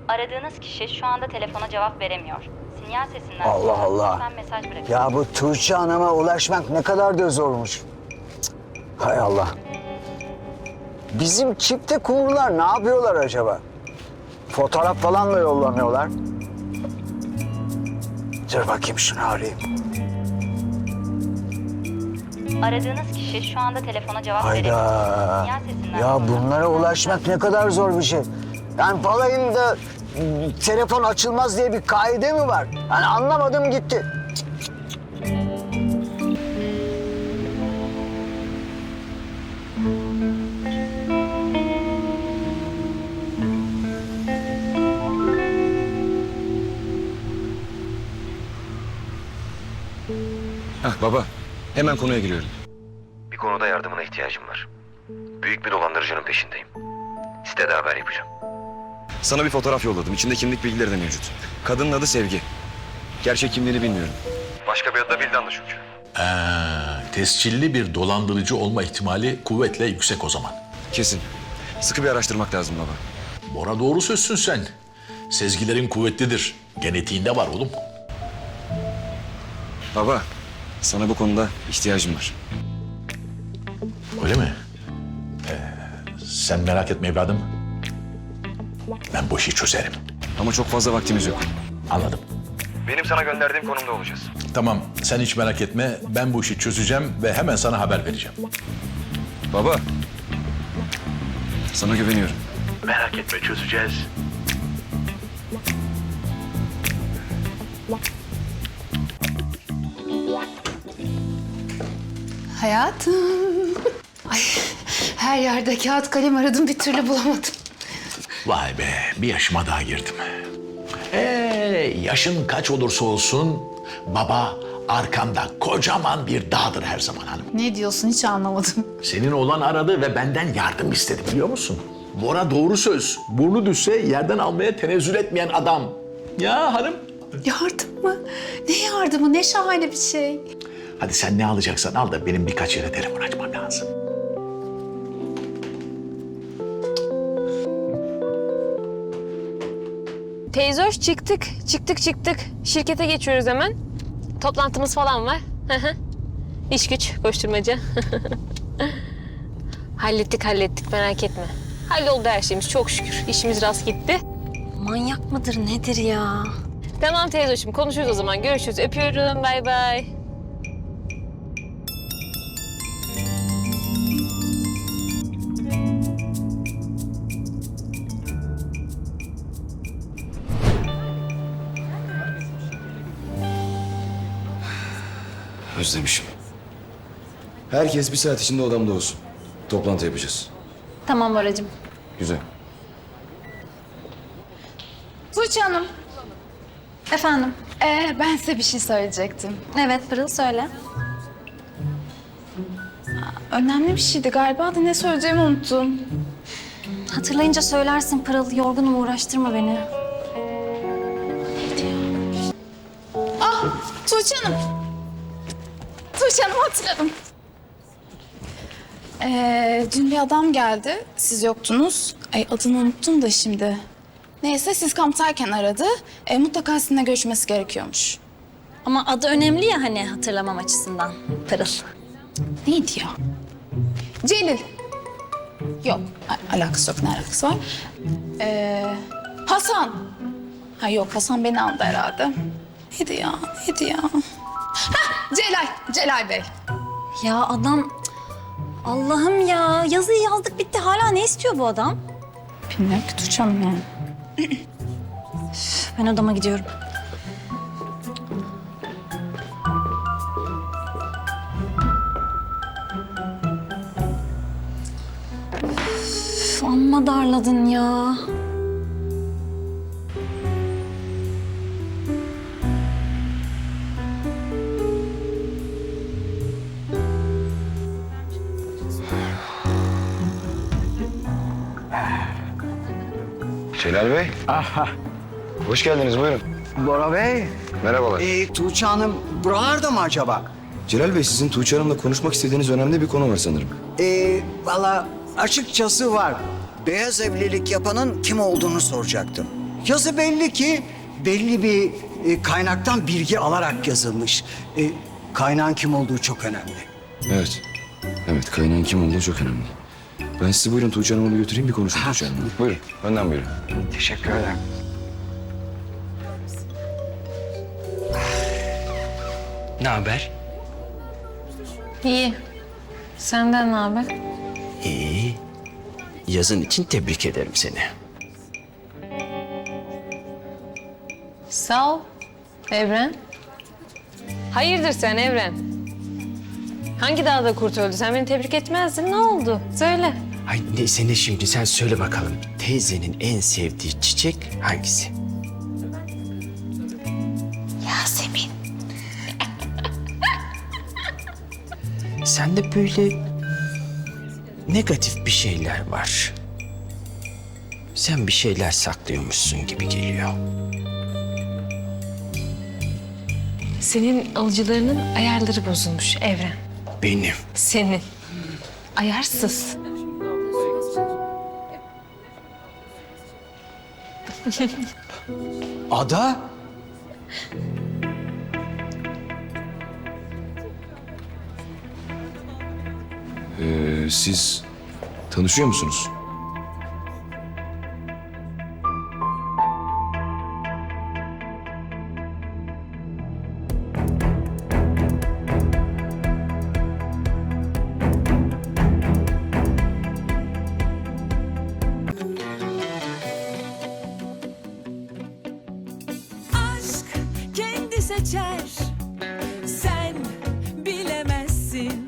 Aradığınız kişi şu anda telefona cevap veremiyor. Sinyal sesinden Allah sonra Allah. lütfen mesaj bırakın. Ya bu Tuğçe Hanım'a ulaşmak ne kadar da zormuş. Cık. Hay Allah. Bizim çifte kumrular ne yapıyorlar acaba? Fotoğraf falan mı yollamıyorlar? Dur bakayım şunu arayayım. Aradığınız kişi şu anda telefona cevap veremiyor. Hayda. Sinyal sesinden Ya sonra bunlara lütfen ulaşmak ne kadar zor bir şey. Yani balayında telefon açılmaz diye bir kaide mi var? Yani anlamadım gitti. Hah baba, hemen konuya giriyorum. Bir konuda yardımına ihtiyacım var. Büyük bir dolandırıcının peşindeyim. Sitede haber yapacağım. Sana bir fotoğraf yolladım. İçinde kimlik bilgileri de mevcut. Kadının adı Sevgi. Gerçek kimliğini bilmiyorum. Başka bir adı da Vildan'dı çünkü. Tescilli bir dolandırıcı olma ihtimali kuvvetle yüksek o zaman. Kesin. Sıkı bir araştırmak lazım baba. Bora doğru sözsün sen. Sezgilerin kuvvetlidir. Genetiğinde var oğlum. Baba, sana bu konuda ihtiyacım var. Öyle mi? Sen merak etme evladım. Ben bu işi çözerim. Ama çok fazla vaktimiz yok. Anladım. Benim sana gönderdiğim konumda olacağız. Tamam, sen hiç merak etme. Ben bu işi çözeceğim ve hemen sana haber vereceğim. Baba, sana güveniyorum. Merak etme, çözeceğiz. Hayatım. Ay, her yerde kağıt kalem aradım, bir türlü bulamadım. Vay be, bir yaşıma daha girdim. Yaşın kaç olursa olsun baba arkanda kocaman bir dağdır her zaman hanım. Ne diyorsun, hiç anlamadım. Senin oğlan aradı ve benden yardım istedi biliyor musun? Bora doğru söz. Burnu düşse yerden almaya tenezzül etmeyen adam. Ya hanım. Yardım mı? Ne yardımı, ne şahane bir şey. Hadi sen ne alacaksan al da benim birkaç yere telefon açmam lazım. Teyze hoş çıktık. Şirkete geçiyoruz hemen. Toplantımız falan var. İş güç, koşturmaca. hallettik merak etme. Halloldu her şeyimiz çok şükür. İşimiz rast gitti. Manyak mıdır nedir ya? Tamam teyze hoşum konuşuruz o zaman. Görüşürüz. Öpüyorum. Bay bay. Özlemişim. Herkes bir saat içinde odamda olsun. Toplantı yapacağız. Tamam Boracığım. Güzel. Tuğçe Hanım, Efendim? ben size bir şey söyleyecektim. Evet Pırıl söyle. Önemli bir şeydi galiba da ne söyleyeceğimi unuttum. Hatırlayınca söylersin Pırıl. Yorgunum, uğraştırma beni. Tuğçe Hanım. Tuğçe Hanım, hatırladım. Dün bir adam geldi, siz yoktunuz. Ay, adını unuttum da şimdi. Neyse, siz kamptayken aradı. Mutlaka sizinle görüşmesi gerekiyormuş. Ama adı önemli ya hani hatırlamam açısından. Pırıl. Neydi ya? Celil. Yok, alakası yok. Ne alakası var? Hasan. Ha yok, Hasan beni aldı herhalde. Neydi ya? Hah, Celal Bey. Ya adam... Allah'ım ya. Yazıyı yazdık bitti. Hala ne istiyor bu adam? Bilmiyorum ki Tuğçe Hanım yani. Ben odama gidiyorum. Üf, amma darladın ya. Celal Bey. Aha. Hoş geldiniz buyurun. Bora Bey, Merhabalar. Tuğçe Hanım buralarda mı acaba? Celal Bey, sizin Tuğçe Hanım'la konuşmak istediğiniz önemli bir konu var sanırım. Valla açıkçası var. Beyaz evlilik yapanın kim olduğunu soracaktım. yazı belli ki belli bir kaynaktan bilgi alarak yazılmış. Kaynağın kim olduğu çok önemli. Evet. Evet, kaynağın kim olduğu çok önemli. Ben sizi buyurun Tuğçe Hanım'a götüreyim bir konuşun Tuğçe Hanım'la. Buyurun, önden buyurun. Teşekkür ederim. Ne haber? İyi. Senden ne haber? İyi. Yazın için tebrik ederim seni. Sağ ol. Evren. Hayırdır sen Evren? Hangi dağda kurt öldü? Sen beni tebrik etmezdin. Ne oldu? Söyle. Ay neyse ne şimdi sen söyle bakalım. Teyzenin en sevdiği çiçek hangisi? Yasemin. Sende böyle negatif bir şeyler var. Sen bir şeyler saklıyormuşsun gibi geliyor. Senin alıcılarının ayarları bozulmuş Evren. Benim. Senin. Ayarsız. Ada? Siz tanışıyor musunuz?